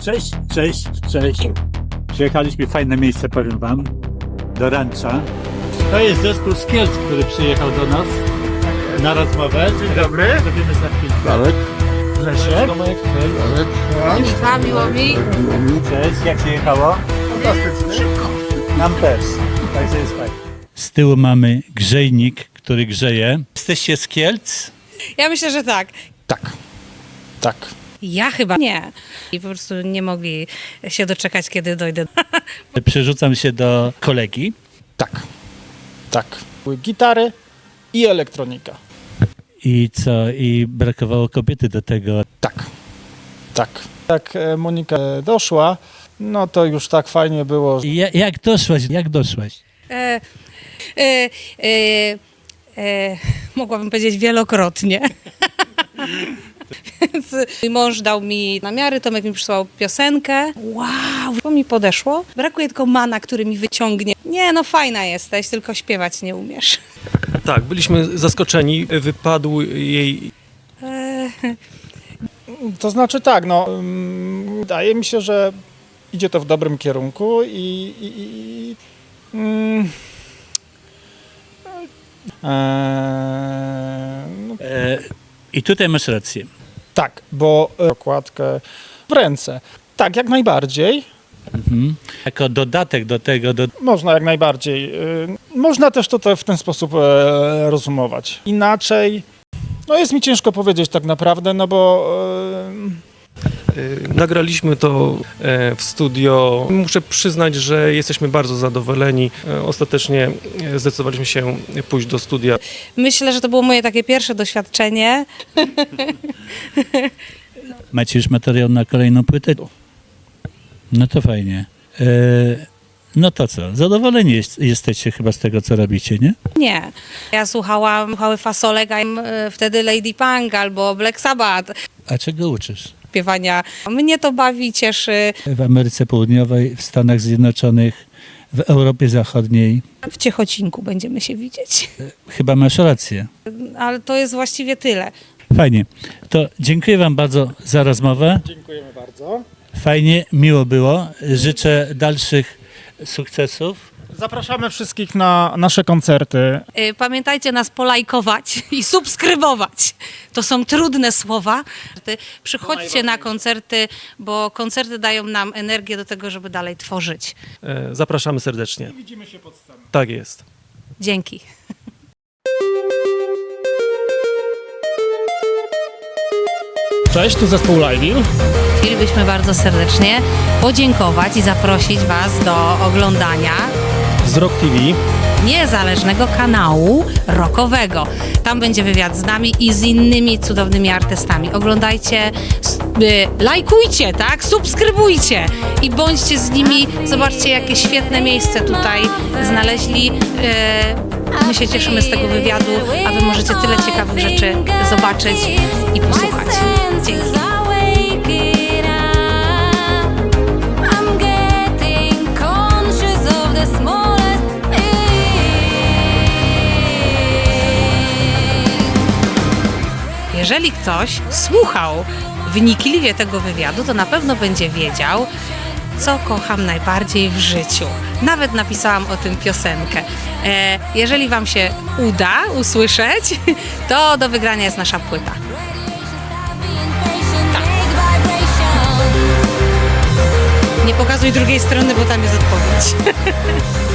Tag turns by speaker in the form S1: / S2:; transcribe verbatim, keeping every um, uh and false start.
S1: Cześć, cześć, cześć. Przyjechaliśmy w fajne miejsce, powiem wam, do Rancza. To jest zespół z Kielc, który przyjechał do nas na rozmowę. Dzień dobry. Zrobimy za chwilkę.
S2: Marek.
S1: Leszek.
S2: Marek.
S3: Miła, miło mi.
S1: Cześć, jak się jechało? Fantastycznie. Nam też, także jest fajnie. Z tyłu mamy grzejnik, który grzeje. Jesteście z Kielc?
S3: Ja myślę, że tak.
S2: Tak. Tak.
S3: Ja chyba nie. I po prostu nie mogli się doczekać, kiedy dojdę.
S1: Przerzucam się do kolegi.
S2: Tak. Tak. Były gitary i elektronika.
S1: I co? I brakowało kobiety do tego.
S2: Tak. Tak. Jak e, Monika e, doszła, no to już tak fajnie było. że-
S1: Ja, jak doszłaś? Jak doszłaś?
S3: E, e, e, e, mogłabym powiedzieć wielokrotnie. Więc mój mąż dał mi namiary, Tomek mi przysłał piosenkę. Wow, to mi podeszło. Brakuje tylko mana, który mi wyciągnie. Nie, no fajna jesteś, tylko śpiewać nie umiesz.
S4: Tak, byliśmy zaskoczeni. Wypadł jej
S3: E,
S2: To znaczy tak, no mm, wydaje mi się, że idzie to w dobrym kierunku i, i, i mm, e, no,
S1: E, I tutaj masz rację.
S2: tak, bo e, okładkę w ręce. Tak, jak najbardziej.
S1: Mhm. Jako dodatek do tego, do...
S2: Można jak najbardziej. y, Można też to te- w ten sposób e, rozumować. Inaczej, no jest mi ciężko powiedzieć tak naprawdę, no bo
S4: y, nagraliśmy to e, w studio. Muszę przyznać, że jesteśmy bardzo zadowoleni. E, Ostatecznie e, zdecydowaliśmy się pójść do studia.
S3: myślę, że to było moje takie pierwsze doświadczenie.
S1: Macie już materiał na kolejną płytę? No to fajnie. E, no to co? Zadowoleni jest, jesteście chyba z tego, co robicie, nie?
S3: Nie. Ja słuchałam słuchały fasolek, a e, wtedy Lady Punk albo Black Sabbath.
S1: A czego uczysz?
S3: Śpiewania. Mnie to bawi, cieszy.
S1: W Ameryce Południowej, w Stanach Zjednoczonych, w Europie Zachodniej.
S3: W Ciechocinku będziemy się widzieć.
S1: Chyba masz rację.
S3: Ale to jest właściwie tyle.
S1: Fajnie. To dziękuję wam bardzo za rozmowę.
S2: dziękujemy bardzo.
S1: Fajnie, miło było. Życzę dalszych sukcesów.
S2: Zapraszamy wszystkich na nasze koncerty.
S3: Y, Pamiętajcie nas polajkować i subskrybować. To są trudne słowa. Ty- Przychodźcie na koncerty, bo koncerty dają nam energię do tego, żeby dalej tworzyć.
S4: E, Zapraszamy serdecznie.
S2: Widzimy się pod sceną.
S4: Tak jest.
S3: Dzięki.
S2: Cześć, tu zespół Live.
S3: Chcielibyśmy bardzo serdecznie podziękować i zaprosić Was do oglądania
S4: Z Rock T V.
S3: niezależnego kanału rockowego. Tam będzie wywiad z nami i z innymi cudownymi artystami. Oglądajcie, s- y, lajkujcie, tak? Subskrybujcie i bądźcie z nimi. Zobaczcie, jakie świetne miejsce tutaj znaleźli. Y, My się cieszymy z tego wywiadu, a Wy możecie tyle ciekawych rzeczy zobaczyć i posłuchać. Dzięki. Jeżeli ktoś słuchał wnikliwie tego wywiadu, to na pewno będzie wiedział, co kocham najbardziej w życiu. Nawet napisałam o tym piosenkę. E, jeżeli Wam się uda usłyszeć, to do wygrania jest nasza płyta. Tak. Nie pokazuj drugiej strony, bo tam jest odpowiedź.